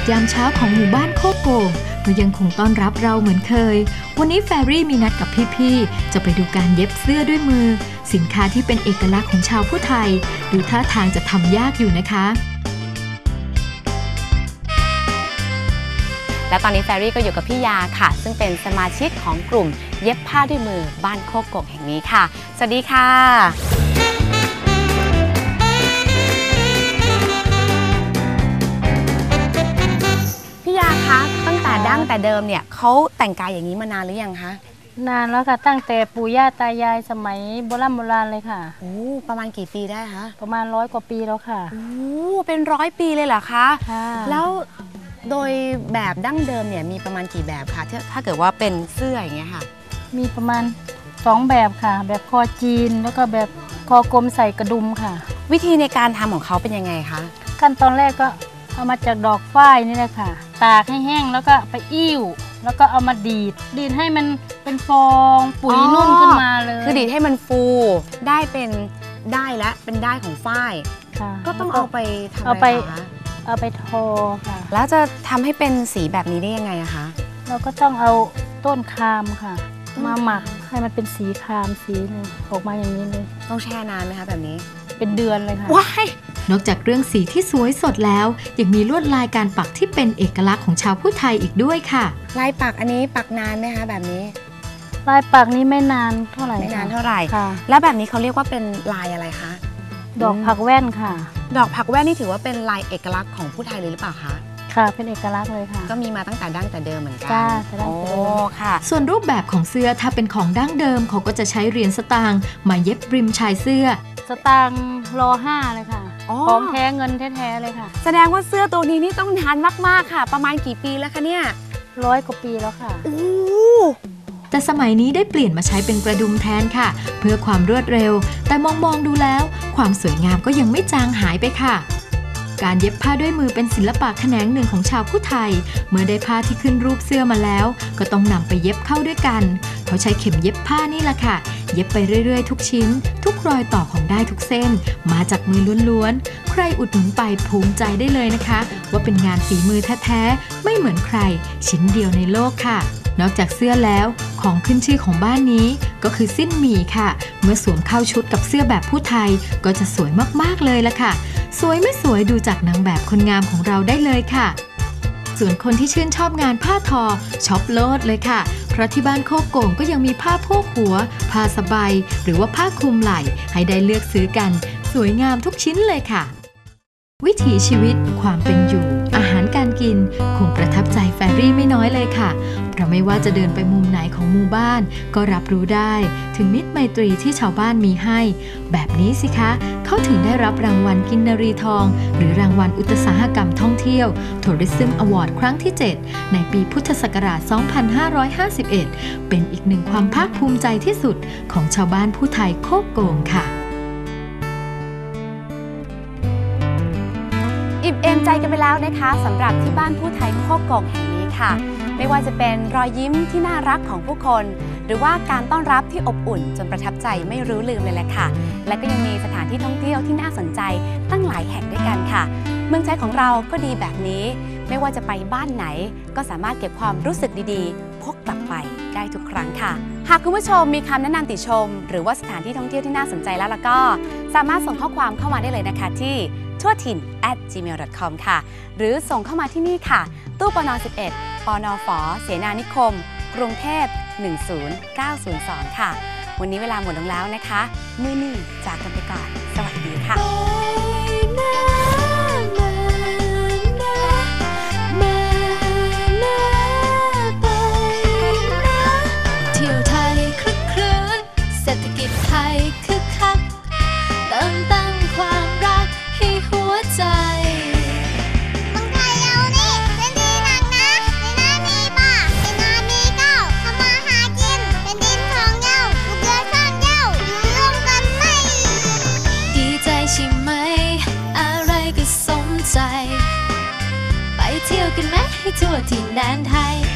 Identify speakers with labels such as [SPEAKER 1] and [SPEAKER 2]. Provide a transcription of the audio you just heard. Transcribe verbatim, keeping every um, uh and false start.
[SPEAKER 1] ศยามเช้าของหมู่บ้านโคกโก่งก็ยังคงต้อนรับเราเหมือนเคยวันนี้แฟรี่มีนัดกับพี่ๆจะไปดูการเย็บเสื้อด้วยมือสินค้าที่เป็นเอกลักษณ์ของชาวผู้ไทยดูท่าทางจะทำยากอยู่นะคะ
[SPEAKER 2] และตอนนี้แฟรี่ก็อยู่กับพี่ยาค่ะซึ่งเป็นสมาชิกของกลุ่มเย็บผ้าด้วยมือบ้านโคกโก่งแห่งนี้ค่ะสวัสดีค่ะพี่ยาคะตั้งแต่ดั้งแต่เดิมเนี่ยเขาแต่งกายอย่างนี้มานานหรือยังคะ
[SPEAKER 3] นานแล้วค่ะตั้งแต่ปู่ย่าตายายสมัยโบราณโบราณเลยค่ะ
[SPEAKER 2] โอ้ประมาณกี่ปีได้คะ
[SPEAKER 3] ประมาณร้อยกว่าปีแล้วค่ะ
[SPEAKER 2] โอ้เป็นร้อยปีเลยเหรอคะแล้วโดยแบบดั้งเดิมเนี่ยมีประมาณกี่แบบคะถ้าเกิดว่าเป็นเสื้ออย่างเงี้ยค่ะ
[SPEAKER 3] มีประมาณสองแบบค่ะแบบคอจีนแล้วก็แบบคอกลมใส่กระดุมค่ะ
[SPEAKER 2] วิธีในการทำของเขาเป็นยังไงคะ
[SPEAKER 3] ขั้นตอนแรกก็เอามาจากดอกฝ้ายนี่แหละค่ะตากให้แห้งแล้วก็ไปอิ่วแล้วก็เอามาดีดดีดให้มันเป็นฟองปุ๋ยนุ่นขึ้นมาเลย
[SPEAKER 2] คือดีดให้มันฟูได้เป็นได้และเป็นได้ของฝ้ายก็ต้องเอาไปทำอะไรคะ
[SPEAKER 3] เอาไปทอค่ะ
[SPEAKER 2] แล้วจะทำให้เป็นสีแบบนี้ได้ยังไงอะคะ
[SPEAKER 3] เราก็ต้องเอาต้นคามค่ะมาหมักให้มันเป็นสีคามสีนึงออกมาอย่างนี้เลย
[SPEAKER 2] ต้องแช่นานไหมคะแบบนี้
[SPEAKER 3] เป็นเดือนเลยค่ะ
[SPEAKER 2] ว้าย
[SPEAKER 1] นอกจากเรื่องสีที่สวยสดแล้วยังมีลวดลายการปักที่เป็นเอกลักษณ์ของชาวผู้ไทยอีกด้วยค่ะ
[SPEAKER 2] ลายปักอันนี้ปักนานไหมคะแบบนี้
[SPEAKER 3] ลายปักนี้ไม่นานเท่าไหร่
[SPEAKER 2] ไม่นานเท่าไหร่ค่ะแล้วแบบนี้เขาเรียกว่าเป็นลายอะไรคะ
[SPEAKER 3] ดอกผักแว่นค่ะ
[SPEAKER 2] ดอกผักแว่นนี่ถือว่าเป็นลายเอกลักษณ์ของผู้ไทยเลยหรือเปล่าคะ
[SPEAKER 3] ค่ะเป็นเอกลักษณ์เลยค่ะ
[SPEAKER 2] ก็มีมาตั้งแต่ดั้งแต่เดิมเหมือนกัน
[SPEAKER 3] จ้าแต่ดั้งแต่เดิม
[SPEAKER 2] ค่ะ
[SPEAKER 1] ส่วนรูปแบบของเสื้อถ้าเป็นของดั้งเดิมเขาก็จะใช้เหรียญสตางค์มาเย็บริมชายเสื้อ
[SPEAKER 3] สตางค์รอห้าเลยค่ะของแท้เงินแท้ๆเลยค่ะ
[SPEAKER 2] แสดงว่าเสื้อตัวนี้นี่ต้องนานมากๆค่ะประมาณกี่ปีแล้วคะเนี่ย
[SPEAKER 3] ร้อยกว่าปีแล้วค่ะ
[SPEAKER 1] แต่สมัยนี้ได้เปลี่ยนมาใช้เป็นกระดุมแทนค่ะเพื่อความรวดเร็วแต่มองมองดูแล้วความสวยงามก็ยังไม่จางหายไปค่ะการเย็บผ้าด้วยมือเป็นศิลปะแขนงหนึ่งของชาวผู้ไทยเมื่อได้ผ้าที่ขึ้นรูปเสื้อมาแล้วก็ต้องนำไปเย็บเข้าด้วยกันเขาใช้เข็มเย็บผ้านี่แหละค่ะเย็บไปเรื่อยๆทุกชิ้นทุกรอยต่อของได้ทุกเส้นมาจากมือล้วนๆใครอุดหนุนไปภูมิใจได้เลยนะคะว่าเป็นงานฝีมือแท้ๆไม่เหมือนใครชิ้นเดียวในโลกค่ะนอกจากเสื้อแล้วของขึ้นชื่อของบ้านนี้ก็คือสิ้นหมี่ค่ะเมื่อสวมเข้าชุดกับเสื้อแบบผู้ไทยก็จะสวยมากๆเลยละค่ะสวยไม่สวยดูจากนางแบบคนงามของเราได้เลยค่ะส่วนคนที่ชื่นชอบงานผ้าทอช็อปโลดเลยค่ะเพราะที่บ้านโคกโก่งก็ยังมีผ้าโพกหัวผ้าสบายหรือว่าผ้าคลุมไหล่ให้ได้เลือกซื้อกันสวยงามทุกชิ้นเลยค่ะวิถีชีวิตความเป็นอยู่อาหารการกินคงประทับใจแฟรี่ไม่น้อยเลยค่ะเพราะไม่ว่าจะเดินไปมุมไหนของหมู่บ้านก็รับรู้ได้ถึงมิตรไมตรีที่ชาวบ้านมีให้แบบนี้สิคะเขาถึงได้รับรางวัลกินนรีทองหรือรางวัลอุตสาหกรรมท่องเที่ยว Tourism Award ครั้งที่เจ็ดในปีพุทธศักราช สองพันห้าร้อยห้าสิบเอ็ด เป็นอีกหนึ่งความภาคภูมิใจที่สุดของชาวบ้านผู้ไทยโคกโก่งค่ะ
[SPEAKER 2] อิ่มเอมใจกันไปแล้วนะคะสำหรับที่บ้านผู้ไทยโคกโก่งแห่งนี้ค่ะไม่ว่าจะเป็นรอยยิ้มที่น่ารักของผู้คนหรือว่าการต้อนรับที่อบอุ่นจนประทับใจไม่รู้ลืมเลยแหละค่ะและก็ยังมีสถานที่ท่องเที่ยวที่น่าสนใจตั้งหลายแห่งด้วยกันค่ะเมืองไทยของเราก็ดีแบบนี้ไม่ว่าจะไปบ้านไหนก็สามารถเก็บความรู้สึกดีๆพกกลับไปได้ทุกครั้งค่ะหากคุณผู้ชมมีคำแนะนำติชมหรือว่าสถานที่ท่องเที่ยวที่น่าสนใจแล้วล่ะก็สามารถส่งข้อความเข้ามาได้เลยนะคะที่ทั่วถิ่น แอท จีเมล ดอท คอม ค่ะหรือส่งเข้ามาที่นี่ค่ะตู้ปนสิบเอ็ดปนฝเสนานิคมกรุงเทพหนึ่งศูนย์เก้าศูนย์สองค่ะวันนี้เวลาหมดลงแล้วนะคะมื้อนี้จากกันไปก่อนสวัสดีค่ะ
[SPEAKER 4] เที่ยวไทยคลึกครื้นเศรษฐกิจไทยคึกคักเติมตั้งความรักให้หัวใจไปเที่ยวกันไหมให้ทั่วถิ่นแดนไทย